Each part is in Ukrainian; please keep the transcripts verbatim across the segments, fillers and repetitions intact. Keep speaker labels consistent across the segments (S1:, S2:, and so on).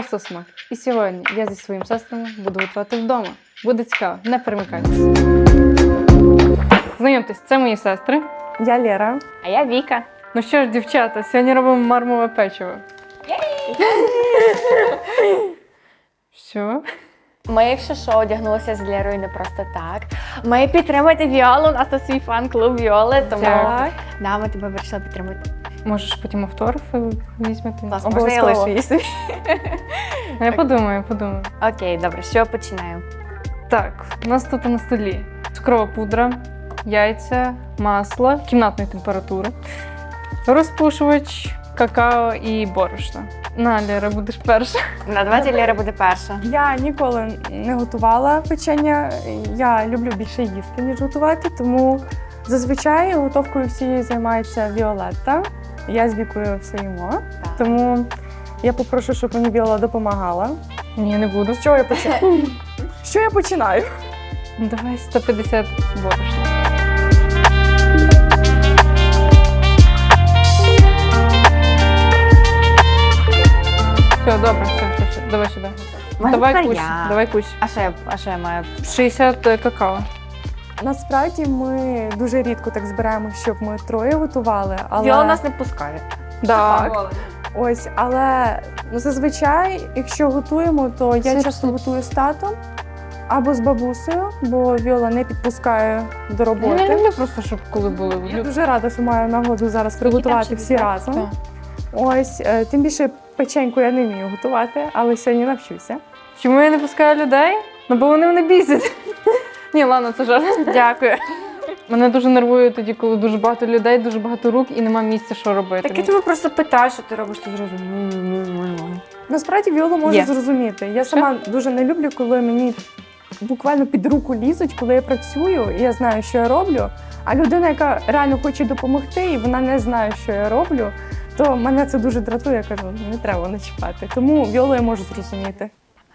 S1: просто смак. І сьогодні я зі своїми сестрами буду готувати вдома. Буде цікаво, не перемикайтеся. Знайомтесь, це мої сестри.
S2: Я Лера.
S3: А я Віка.
S1: Ну що ж, дівчата, сьогодні робимо мармове печиво. Що?
S3: Ми, якщо що, одягнулися з Лерою не просто так. Ми підтримуєте Віолу, у нас тут свій фан-клуб Віоли, тому
S1: Так.
S3: да, ми тебе вирішили підтримати.
S1: Можеш потім автографи візьмете?
S3: Клас, можна я
S2: Обов'язково.
S3: лишу її собі?
S1: Я подумаю, я подумаю.
S3: Окей, добре, що починаємо?
S1: Так, у нас тут на столі цукрова пудра, яйця, масло кімнатної температури, розпушувач, какао і борошно. На, Лера, будеш перша.
S3: На давайте Лера буде перша.
S2: Я ніколи не готувала печення. Я люблю більше їсти, ніж готувати, тому зазвичай готовкою всією займається Віолетта. Я з Вікою все їмо.
S3: Так.
S2: Тому я попрошу, щоб мені Віола допомагала.
S1: Ні, не буду.
S2: З чого я починаю? Що я починаю?
S1: Ну, давай сто п'ятдесят борошна. Все, добре, все, все, все. Давай сюди.
S3: Можна
S1: Давай
S3: тепер
S1: кусь,
S3: я.
S1: давай кусь.
S3: А що я, а що я маю?
S1: шістдесят какао.
S2: Насправді ми дуже рідко так збираємо, щоб ми троє готували. Але...
S3: Віола нас не пускає.
S2: Так. Ось, але ну, зазвичай, якщо готуємо, то я
S1: Це
S2: часто
S1: все.
S2: готую з татом або з бабусею, бо Віола не підпускає до
S1: Я не
S2: роботи.
S1: люблю просто, щоб коли були.
S2: Я дуже рада, що маю нагоду зараз приготувати всі разом.
S1: Так.
S2: Ось, е, тим більше печеньку я не вмію готувати, але сьогодні навчуся.
S1: Чому я не пускаю людей? Ну, бо вони мене бісять. Ні, ладно, це жарт.
S3: Дякую.
S1: Мене дуже нервує тоді, коли дуже багато людей, дуже багато рук і немає місця, що робити.
S3: Так я тебе просто питаю, що ти робиш, ти зразу.
S2: Насправді Віола може
S3: Є.
S2: зрозуміти. Я сама дуже не люблю, коли мені буквально під руку лізуть, коли я працюю, і я знаю, що я роблю. А людина, яка реально хоче допомогти, і вона не знає, що я роблю, то мене це дуже дратує. Я кажу, не треба не чіпати. Тому Віолу я можу зрозуміти.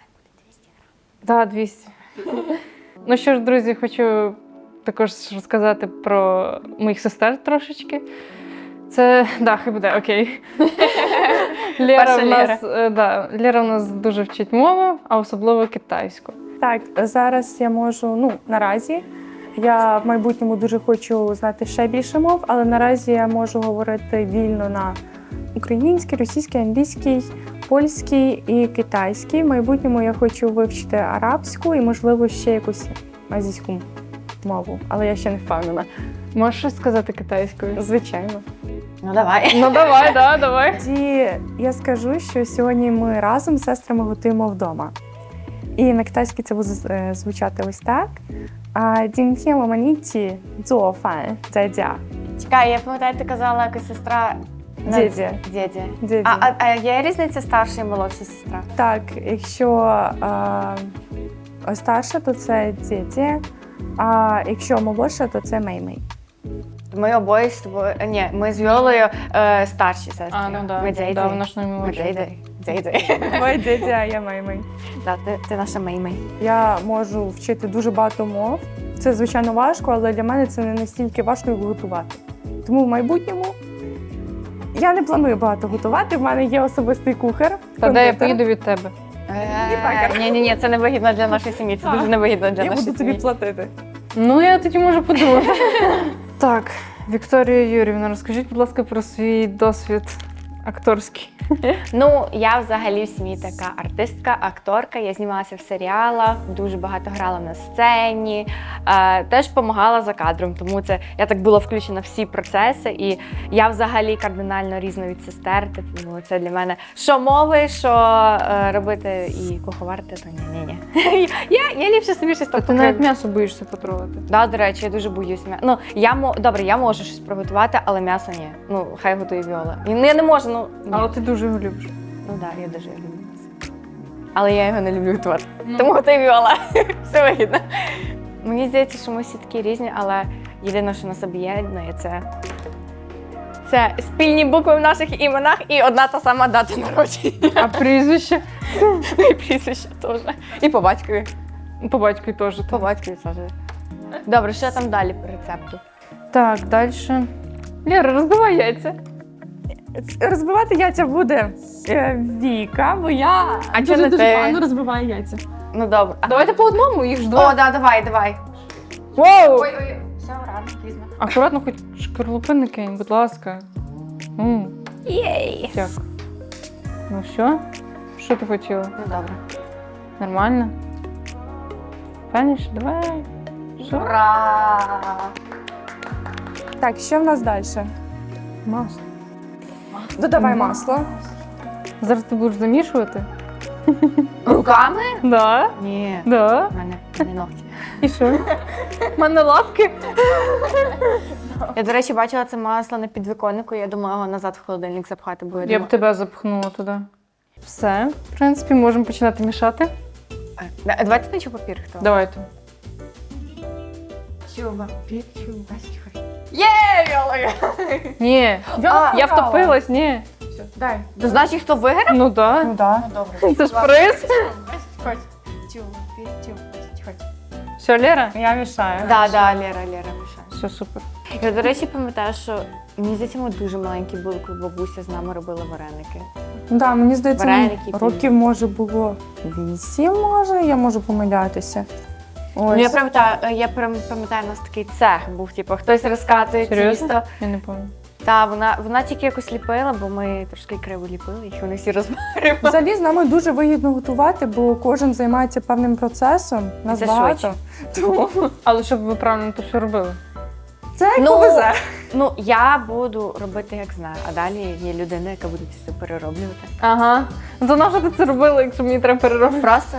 S1: Так, двісті. Ну що ж, друзі, хочу також розказати про моїх сестер трошечки. Це, да, хай буде, окей. Лера
S3: Перша
S1: в нас, е, да, Лера в нас дуже вчить мову, а особливо китайську.
S2: Так, зараз я можу, ну, наразі, я в майбутньому дуже хочу знати ще більше мов, але наразі я можу говорити вільно на українській, російській, англійській, польській і китайській. В майбутньому я хочу вивчити арабську і, можливо, ще якусь азійську мову, але я ще не впевнена.
S1: Можеш щось сказати китайською?
S2: Звичайно.
S3: Ну давай.
S1: Ну давай, да, давай.
S2: Тоді я скажу, що сьогодні ми разом з сестрами готуємо вдома. І на китайській це буде е, звучати ось так. А, 今天我们一起做饭在家.
S3: Чекай, я пам'ятаю, ти казала якась сестра.
S2: Дідя.
S3: Дідя.
S2: Дідя.
S3: А, а, а є різниця старша і молодша сестра?
S2: Так, якщо е, старша, то це діді, а якщо молодша, то це мей-мей.
S3: Ми обоє з тобою. е, Ні, ми з Віолою е, старші сестри.
S1: А, ну да,
S3: Ми
S1: да,
S3: дзейдзи.
S1: да, вона ж не
S3: Ми
S1: молодша.
S3: дзейдзи. Дзейдзи.
S2: Ви діді, а я мей-мей.
S3: Да, ти, ти наша меймей.
S2: Я можу вчити дуже багато мов. Це, звичайно, важко, але для мене це не настільки важко, як готувати. Тому в майбутньому я не планую багато готувати. В мене є особистий кухар.
S1: Та де я
S2: кондитер.
S1: поїду від тебе?
S3: Ні, ні, ні, це не вигідно для нашої сім'ї. Це
S2: Так.
S3: дуже невигідно для
S2: Я
S3: нашої
S2: буду тобі
S3: сім'ї.
S2: платити.
S1: Ну, я тоді можу подумати. Так, Вікторія Юрівна, розкажіть, будь ласка, про свій досвід акторський.
S3: Ну, я взагалі в сім'ї така артистка, акторка. Я знімалася в серіалах, дуже багато грала на сцені, е, теж допомагала за кадром, тому це я так була включена в всі процеси. І я взагалі кардинально різна від сестер. Тому це для мене що мови, що е, робити і куховарити, то ні-ні-ні. Я, я ліпше собі щось
S1: Та
S3: там
S1: ти навіть
S3: покрив.
S1: м'ясо боїшся потрогати.
S3: Да, до речі, я дуже боюсь м'яса. Ну, я мо... Добре, я можу щось приготувати, але м'ясо ні. Ну, хай готує Віола. Ну, я не можу, ну. Ні.
S1: Але ти дуже його любиш.
S3: Ну так, да, я дуже люблю м'ясо. Але я його не люблю готувати.
S1: Ну.
S3: Тому готує Віола. Все вигідно. Мені здається, що ми всі такі різні, але єдине, що нас об'єднує, це. Це спільні букви в наших іменах і одна та сама дата народження.
S1: А прізвище?
S3: І прізвище теж. І по батькові.
S1: По батькові теж.
S3: По батькові теж. Добре, що там далі по рецепту?
S1: Так, далі. Лера, розбивай яйця.
S2: Розбивати яйця буде е, Віка, бо я
S3: А
S2: дуже
S3: чого не
S2: дуже
S3: ти?
S2: погано розбиваю яйця.
S3: Ну добре. А-
S1: Давайте по одному, їх ж
S3: О,
S1: два.
S3: да, давай, давай.
S1: Воу!
S3: Ой, ой, все, рано, пізно.
S1: Акуратно, хоч шкарлупи не кинь, будь ласка. М,
S3: Єй.
S1: як? Ну що? Що ти хотіла?
S3: Ну добре.
S1: Нормально? Паніш, давай. Що?
S3: Ура!
S2: Так, що в нас далі?
S1: Масло.
S2: Додавай
S1: Мгм.
S2: масло.
S1: Зараз ти будеш замішувати?
S3: Руками?
S1: Да.
S3: Ні.
S1: Да.
S3: У мене не ногті.
S1: І що? У мене лапки.
S3: Я, до речі, бачила це масло на підвіконнику, я думала його назад в холодильник запхати, бо я
S1: Я б
S3: думала...
S1: тебе запхнула туди. Все, в принципі, можемо починати мішати.
S3: А, да- Давайте на папір хто?
S1: Давайте.
S3: Чуба, чуба, Є, Віола!
S1: Ні,
S2: Віола
S1: я
S2: програла.
S1: втопилась, ні.
S2: Дай.
S3: То значить, хто виграв?
S1: Ну да.
S2: Ну да.
S3: Добре.
S1: Це ж приз.
S3: Хоч. Чуба, чуба, хоч.
S1: Все, Лера?
S2: Я мішаю.
S3: Да, да, Лера, Лера мішає.
S1: Все супер.
S3: Я, до речі, пам'ятаю, що мені здається, ми дуже маленькі були, коли бабуся з нами робила вареники.
S2: Ну да, мені здається,
S3: Вареники,
S2: мені років може було вісім, може, я можу помилятися.
S3: Ну,
S2: Ось.
S3: я пам'ятаю, я прям пам'ятаю, у нас такий цех був, типу, хтось розкатує
S1: Серйозно?
S3: тісто.
S1: Я не пам'ятаю.
S3: Та вона, вона тільки якось ліпила, бо ми трошки криво ліпили, їх вони всі розмарили.
S2: Взагалі з нами дуже вигідно готувати, бо кожен займається певним процесом. Нас
S3: Це
S2: багато.
S3: швидше.
S2: Тому
S1: Але щоб ви правильно то все робили.
S2: це як
S3: Ну,
S2: повезе.
S3: Ну, я буду робити, як знаю, а далі є людина, яка буде це все перероблювати.
S1: Ага. Ну то нащо ти це робила, якщо мені треба переробити?
S3: Просто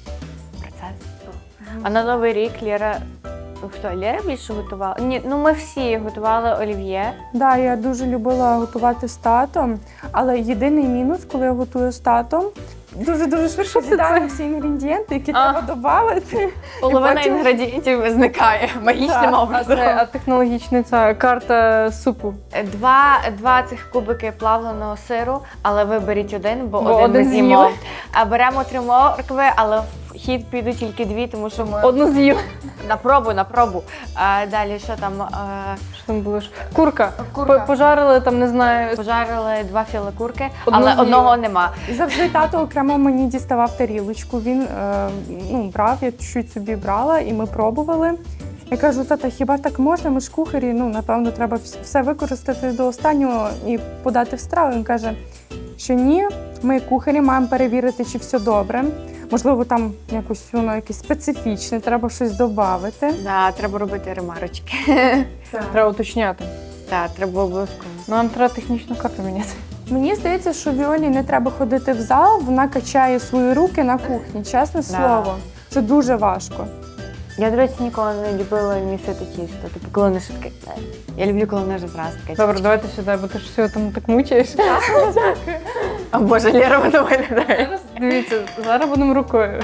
S3: процес. А на Новий рік Лєра. Хто, Лєра більше готувала? Ні, ну ми всі готували олів'є.
S2: Да, я дуже любила готувати з татом, але єдиний мінус, коли я готую з татом, дуже-дуже швидко
S1: це
S2: з'їдаю всі інгредієнти, які
S1: А.
S2: треба додати.
S3: Половина
S2: потім-
S3: інгредієнтів зникає магічним
S2: Так,
S1: А
S3: образом.
S1: це а технологічна ця карта супу.
S3: Два, два цих кубики плавленого сиру, але виберіть один, бо,
S1: Бо
S3: один,
S1: один
S3: ми з'їмо.
S1: з'їли.
S3: А беремо три моркви, але в хід підуть тільки дві, тому що ми
S1: Одну з'їла.
S3: на пробу, на пробу. А далі що там? А,
S1: Що там було ж? Курка.
S3: Курка.
S1: По- Пожарили там, не знаю.
S3: пожарили два філе курки,
S1: Одну
S3: але
S1: з'їли.
S3: одного нема.
S2: І завжди тато окремо мені діставав тарілочку. Він е, ну, брав, я чуть собі брала, і ми пробували. Я кажу, тата, хіба так можна? Ми ж кухарі, ну, напевно, треба вс- все використати до останнього і подати в страву. Він каже, що ні, ми кухарі маємо перевірити, чи все добре. Можливо, там якось воно якесь специфічне, треба щось додати.
S3: Да, треба робити ремарочки.
S1: Треба уточняти.
S3: Так, треба обов'язково.
S1: Ну, нам треба технічну карту міняти.
S2: Мені здається, що Віолі не треба ходити в зал, вона качає свої руки на кухні, чесне слово. Це дуже важко.
S3: Я, до речі, ніколи не любила місити тісто. Типу, коли не швидке. Я люблю, коли воно вже зразу таке.
S1: Добре, давайте сюди, бо ти ж все там так мучаєш.
S3: А Боже, Лєра воно виглядає.
S1: Дивіться, зараз будемо рукою.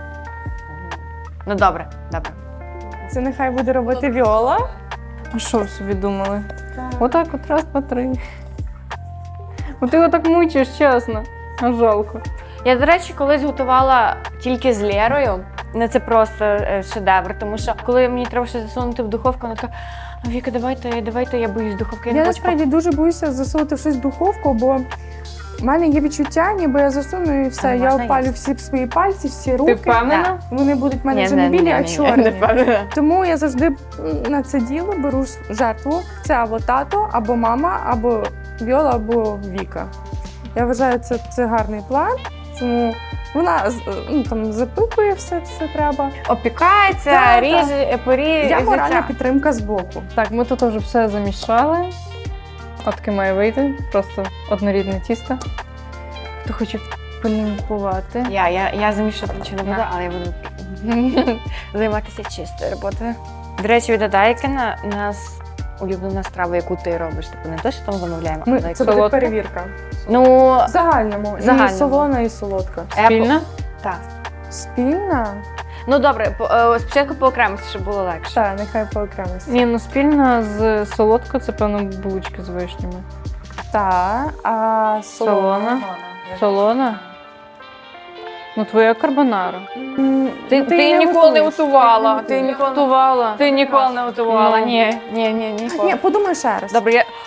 S3: Ну добре, добре.
S2: Це нехай буде робити Віола.
S1: А що ви собі думали? Отак от раз, два, три. Бо ти його так мучаєш, чесно. А жалко.
S3: Я, до речі, колись готувала тільки з Лєрою. Ну, це просто е, шедевр, тому що коли мені треба щось засунути в духовку, вона така: Віка, давайте, давайте, я боюсь духовки. Я,
S2: Я
S3: не хочу
S2: насправді дуже боюся засунути щось в духовку, бо в мене є відчуття, ніби я засуну і все.
S3: А
S2: Я
S3: можна
S2: опалю
S3: їсти?
S2: всі свої пальці, всі
S1: Ти
S2: руки.
S1: впевнена?
S2: Вони будуть в мене
S3: Ні,
S2: вже
S3: не,
S2: не білі,
S3: ні,
S2: а
S3: ні, ні,
S2: чорні.
S3: не впевнена.
S2: Тому я завжди м, на це діло беру жертву. Це або тато, або мама, або Віола, або Віка. Я вважаю, це, це гарний план. Тому вона з- ну, там запитує все, все треба.
S3: Опікається,
S2: Так, так.
S3: ріже, поріже.
S2: Я моральна підтримка з боку.
S1: Так, ми тут вже все замішали. От таке має вийти. Просто однорідне тісто. Хто хоче полімпувати?
S3: Я, я, я замішувати нічого не буду, але я буду займатися чистою роботою. До речі, від Адайкина у нас улюблена страва, яку ти робиш. Типу не те, що там замовляємо,
S2: Ми,
S3: але як
S2: це буде
S1: солодка?
S2: перевірка.
S3: Ну,
S2: В загальному.
S3: Загальному.
S2: І солона, і солодка.
S1: Спільна?
S3: так.
S2: Спільна?
S3: Ну добре, по- е, спочатку по окремості, щоб було легше.
S2: Так, нехай по окремості.
S1: Ні, ну спільна з солодкою, це, певно, булочки з вишнями.
S2: Так, а солона?
S1: Солона. Солона? Ну, твоя карбонара.
S2: М,
S3: Ти,
S2: ну,
S3: ти,
S2: її
S3: ніколи не
S2: готуєш.
S3: готувала.
S2: Ти
S3: Ти
S2: не
S3: ніколи,
S1: Готувала.
S3: ти ніколи не готувала.
S1: Ну.
S3: Ні, ні, ні, ніколи.
S2: Ні, подумай ще раз.
S3: Добре, я...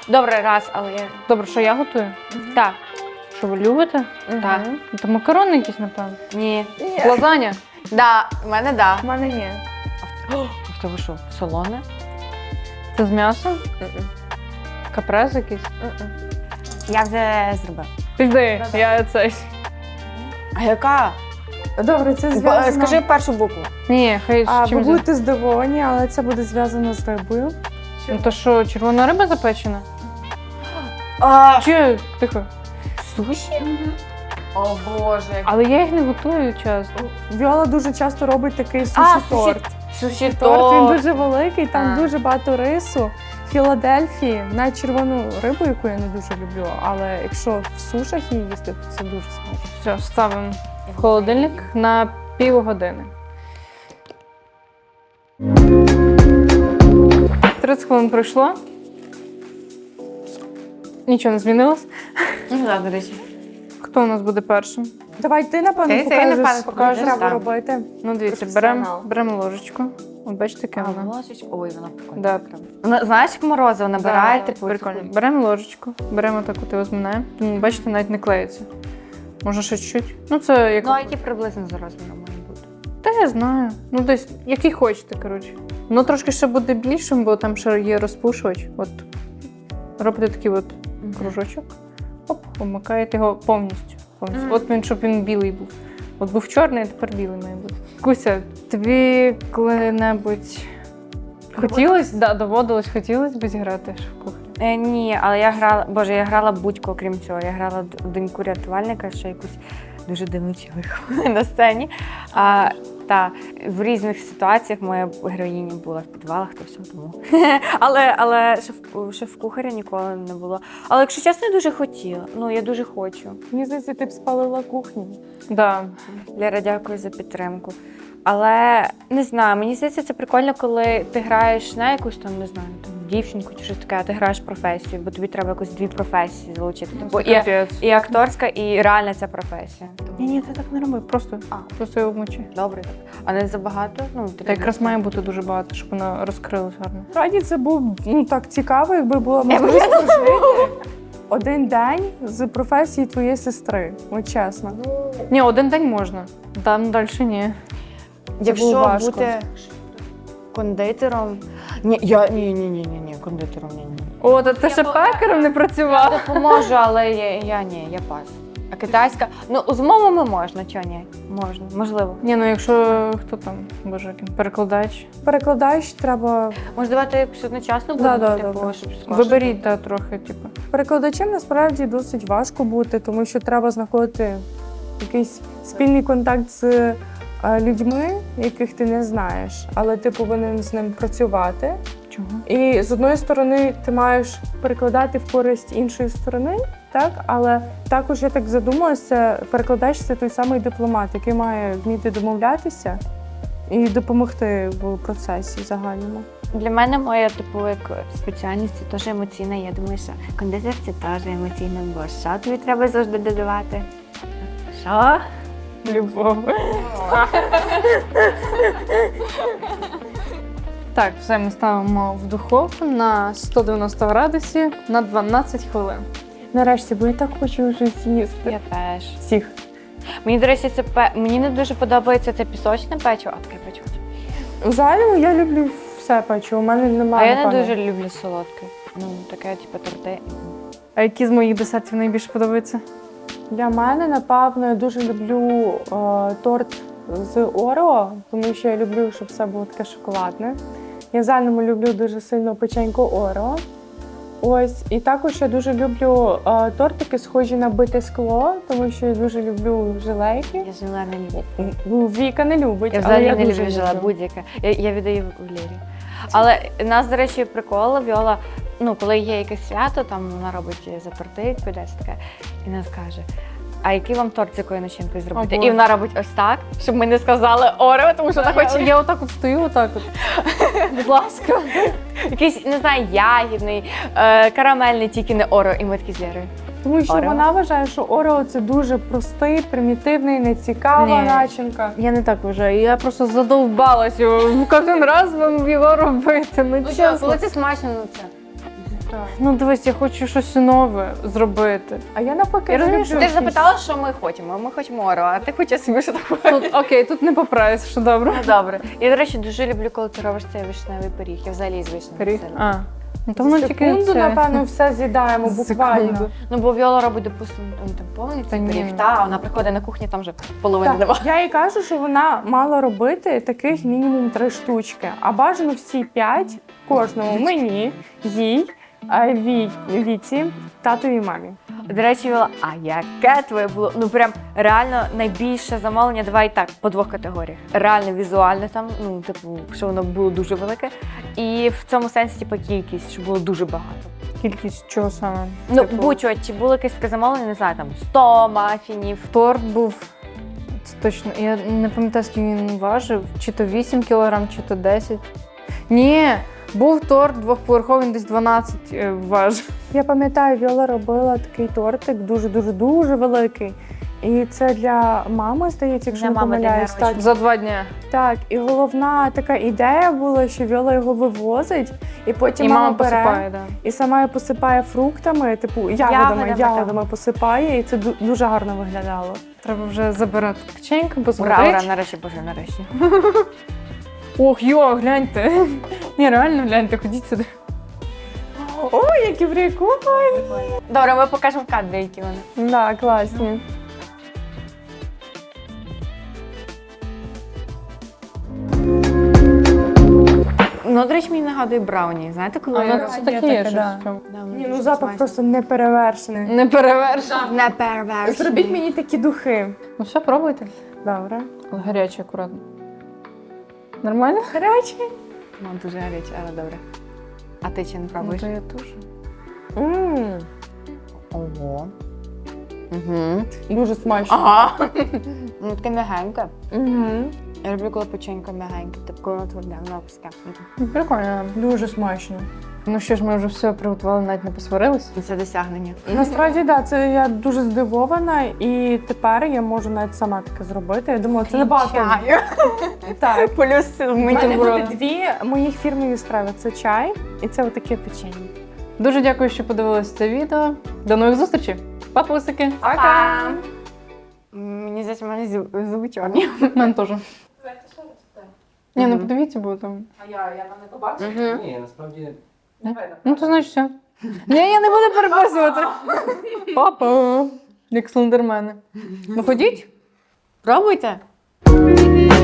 S3: Добре, раз, але я.
S1: Добре, що я готую?
S3: Так.
S1: Що ви любите?
S3: Так.
S1: Ну, то макарони якісь, напевно.
S3: Ні.
S1: Лазаня.
S3: Да, в мене да.
S2: У мене ні.
S3: В тебе що, солоне?
S1: Це з м'ясом? Капрез якийсь?
S3: Я вже зробила.
S1: Піди, я цей.
S3: А яка?
S2: Добре, це зв'язано.
S3: Скажи першу букву.
S1: Ні, хай
S2: А,
S1: з
S2: ви
S1: чим.
S2: будете здивовані, але це буде зв'язано з рибою.
S1: Ну то що, червона риба запечена?
S3: А,
S1: Чи тихо?
S3: суші? О боже.
S1: Але я їх не готую часто.
S2: Віола дуже часто робить такий
S3: А,
S2: суші-торт.
S3: Суші
S2: Торт, він
S3: торт.
S2: дуже великий, там
S3: А.
S2: дуже багато рису. Філадельфії, навіть червону рибу, яку я не дуже люблю, але якщо в сушах її їсти, то це дуже смачно.
S1: Все, ставимо в холодильник на півгодини. тридцять хвилин пройшло. Нічого не змінилось.
S3: Ну, так, до речі.
S1: Хто у нас буде першим?
S2: Давай ти, напевно,
S3: Ти- ти,
S2: покажеш,
S3: напевно,
S2: що
S3: покажеш,
S2: треба
S3: так.
S2: робити.
S1: Ну, дивіться,
S2: Професіонал.
S1: беремо берем ложечку. От бачите, яке воно.
S3: ложечку. Ой, вона прикольна.
S1: Да.
S3: Вона, знаєш, як морозиво набирає,
S1: Да,
S3: типу.
S1: прикольно.
S3: таку-
S1: Беремо ложечку, беремо так, от його зминаємо. Тому, бачите, навіть не клеїться. Може ще чуть-чуть. Ну, це як.
S3: Ну, а які приблизно за розміром має бути?
S1: Та я знаю. Ну, десь, який хочете, коротше. Воно трошки ще буде більшим, бо там ще є розпушувач. От робите такий от кружочок. Оп, обмикаєте його повністю. повністю.
S3: Мгм.
S1: От він, щоб він білий був. От був чорний, а тепер білий має бути. Куся, тобі коли-небудь хотілося, да, доводилось, хотілося б зіграти в кухні?
S3: Е, ні, але я грала, боже, я грала будь-кого, крім цього. Я грала д- доньку рятувальника, ще якусь дуже дивну чоловіку на сцені. А, та в різних ситуаціях моя героїня була в підвалах, то все тому. але але шеф, шеф-кухаря ніколи не було. Але якщо чесно, я дуже хотіла. Ну, я дуже хочу.
S2: Мені здається, ти б спалила кухню.
S1: Да.
S3: Лера, дякую за підтримку. Але не знаю, мені здається, це прикольно, коли ти граєш на якусь там, не знаю, там дівчинку чи щось таке, а ти граєш професію, бо тобі треба якось дві професії залучити. Бо і,
S1: Капець.
S3: і акторська, і реальна ця професія.
S1: Ні, ні, ти так не роби, просто,
S3: А.
S1: просто його вмочи.
S3: Добре так. А не забагато? Ну, ти
S1: Та якраз має бути дуже багато, щоб воно розкрилось гарно.
S2: Справді це був ну так цікаво, якби була можливість прожити один день з професії твоєї сестри. От чесно.
S1: Ні, один день можна. Там далі ні.
S3: Якщо
S2: було важко.
S3: бути кондитером. Ні, я ні, ні, ні, ні, ні, кондитером ні, ні.
S1: О, та ти ще пекарем не працював.
S3: Я допоможу, але я, я ні, я пас. А китайська, ну з мовами можна, чого ні? Можна, можливо.
S1: Ні, ну якщо хто там, боже, який перекладач.
S2: Перекладач треба.
S3: Може, давайте якось одночасно
S2: Да,
S3: будемо,
S2: да,
S3: типу,
S2: добре.
S3: щоб скорше.
S1: Виберіть та трохи, типу.
S2: Перекладачем насправді досить важко бути, тому що треба знаходити якийсь спільний контакт з е, людьми, яких ти не знаєш, але ти повинен з ним працювати.
S1: Чого?
S2: І з одної сторони ти маєш перекладати в користь іншої сторони, так? Але також я так задумалася, перекладач це той самий дипломат, який має вміти домовлятися і допомогти в процесі загальному.
S3: Для мене моя типу як спеціальність це теж емоційна. Я думаю, що кондитер це теж емоційно, бо що тобі треба завжди додавати? Що?
S1: Любов. Так, все, ми ставимо в духовку на сто дев'яносто градусів на дванадцять хвилин.
S2: Нарешті, бо я так хочу вже з'їсти
S3: Я теж.
S2: всіх.
S3: Мені, до речі, це пе... мені не дуже подобається це пісочне печиво, а таке печиво.
S2: Взагалі я люблю все печиво, у мене
S3: А
S2: немає.
S3: я не
S2: напевно.
S3: дуже люблю солодке. Ну, таке, типу, торти.
S1: А які з моїх десертів найбільше подобаються?
S2: Для мене, напевно, я дуже люблю е, торт з Орео, тому що я люблю, щоб все було таке шоколадне. Я в загальному люблю дуже сильно печеньку Орео. Ось, і також я дуже люблю е, тортики, схожі на бите скло, тому що я дуже люблю желейки.
S3: Я желе не люблю.
S2: Ну, Віка не любить,
S3: Я
S2: але
S3: взагалі
S2: я
S3: не
S2: дуже
S3: люблю желе, будь-яке. Я, я віддаю в Лірі. Але у нас, до речі, прикол, Віола, ну, коли є якесь свято, там вона робить за торти, відповідає таке, і нас каже, а який вам торт з якою начинкою зробити?
S1: О, Боже.
S3: І вона робить ось так, щоб ми не сказали Орео, тому що вона
S1: Я,
S3: хоче
S1: я отак от стою, отак от. Будь ласка.
S3: якийсь, не знаю, ягідний, е, карамельний, тільки не Орео. І ми такі з Лірою.
S2: Тому що
S3: Орео?
S2: вона вважає, що Орео це дуже простий, примітивний, нецікава
S1: Ні.
S2: начинка.
S1: Я не так вважаю. Я просто задовбалась його кожен раз вам його робити. Ну, чесно.
S3: це смачно, ну це.
S2: Так.
S1: Ну дивись, я хочу щось нове зробити.
S2: А я навпаки,
S1: Я розумію,
S2: люблю
S1: що
S3: Ти ж
S2: щось.
S3: запитала, що ми хочемо. Ми хочемо Орео, а ти хочеш собі що таке.
S1: Тут окей, тут не поправиш, що добре.
S3: Ну добре. Я, до речі, дуже люблю, коли ти робиш цей вишневий пиріг. Я взагалі з вишневим
S1: Пиріг?
S3: сиром.
S1: А. Ну то воно
S2: За
S1: тільки
S2: секунду,
S1: це.
S2: напевно, все з'їдаємо буквально.
S1: Секунду.
S3: Ну, бо Віола робить, допустимо, ну, там повний
S1: Та
S3: цей
S1: ні,
S3: пиріг,
S1: ну.
S3: та, а вона приходить на кухню, там вже половини
S2: Так,
S3: немає.
S2: я їй кажу, що вона мала робити таких мінімум три штучки, а бажано всі п'ять кожному мені, їй, а, Ві, Віці, татові і мамі.
S3: До речі, Віола, а яке твоє було? Ну прям реально найбільше замовлення, давай так, по двох категоріях. Реально візуальне там, ну, типу, що воно було дуже велике. І в цьому сенсі, типу, кількість, що було дуже багато.
S1: Кількість чого саме?
S3: Ну,
S1: Типу,
S3: будь-що, чи було якесь таке замовлення, не знаю, там сто мафінів.
S1: торт був. Це точно. Я не пам'ятаю, скільки він важив. Чи то вісім кілограм, чи то десять. Ні, був торт двохповерховий, він десь дванадцять е, важив.
S2: Я пам'ятаю, Віола робила такий тортик дуже-дуже-дуже великий. І це для мами, здається, якщо
S3: Для
S2: не
S3: мами день
S2: помиляюсь. Так,
S3: народження.
S1: За два дня.
S2: так, і головна така ідея була, що Віола його вивозить, і потім
S1: І
S2: мама,
S1: мама
S2: бере
S1: посипає, да.
S2: і сама його посипає фруктами, типу ягодами,
S3: Ягодами,
S2: ягодами,
S3: так.
S2: посипає, і це ду- дуже гарно виглядало.
S1: Треба вже забирати печеньку, бо
S3: Ура, ура,
S1: згорить.
S3: нарешті, боже, нарешті.
S1: Ох, йо, гляньте. Ні, реально гляньте, ходіть сюди.
S2: Ой, які прикольні!
S3: Добре, ми покажемо в кадрі, які вони.
S2: Да, класні.
S3: Ну, до речі, мені нагадує брауні. Знаєте, коли
S1: А, ну
S3: я-
S1: це
S2: є
S1: таке
S2: таке,
S1: є щось.
S2: да.
S1: в чому.
S3: Да, воно
S2: Ні,
S3: дуже
S2: ну запах
S3: смачно.
S2: просто неперевершений.
S1: Не перевершено.
S3: не перевершений.
S2: Зробіть мені такі духи.
S1: Ну все, пробуйте.
S2: Добре.
S1: Але гаряче, акуратно. Нормально?
S2: Гарячі.
S3: Ну, дуже гаряче, але добре. А ти чи не
S1: Ну,
S3: пробуєш?
S1: то я теж.
S2: Мм,
S3: Ого. Угу.
S2: дуже смачно.
S3: Ага. Ну, таке м'ягеньке.
S2: Угу.
S3: Я люблю, коли печенька м'ягеньке, типу, коли воно тверде, воно пуске.
S1: Прикольно.
S2: Дуже смачно.
S1: Ну що ж, ми вже все приготували, навіть не посварились.
S3: Це досягнення.
S2: Насправді, так, да, це я дуже здивована, і тепер я можу навіть сама таке зробити. Я думала, це набагато.
S3: Чаю.
S2: Так.
S3: Плюс
S2: У
S3: миті
S2: мене
S3: брови.
S2: буде дві моїх фірмові страви. Це чай і це отаке печення.
S1: Дуже дякую, що подивились це відео. До нових зустрічей. Папусики.
S3: Пока! Мені здається, в мене зу- зуби чорні.
S1: У мене теж. Ні, ну
S3: Мгм.
S1: подивіться, бо там.
S2: А я, я там не побачила.
S3: Угу.
S4: Ні, насправді
S1: Ну, то значить все. Ні, я не буду переписувати. Папа. Як слендермени. Ну ходіть.
S3: Пробуйте.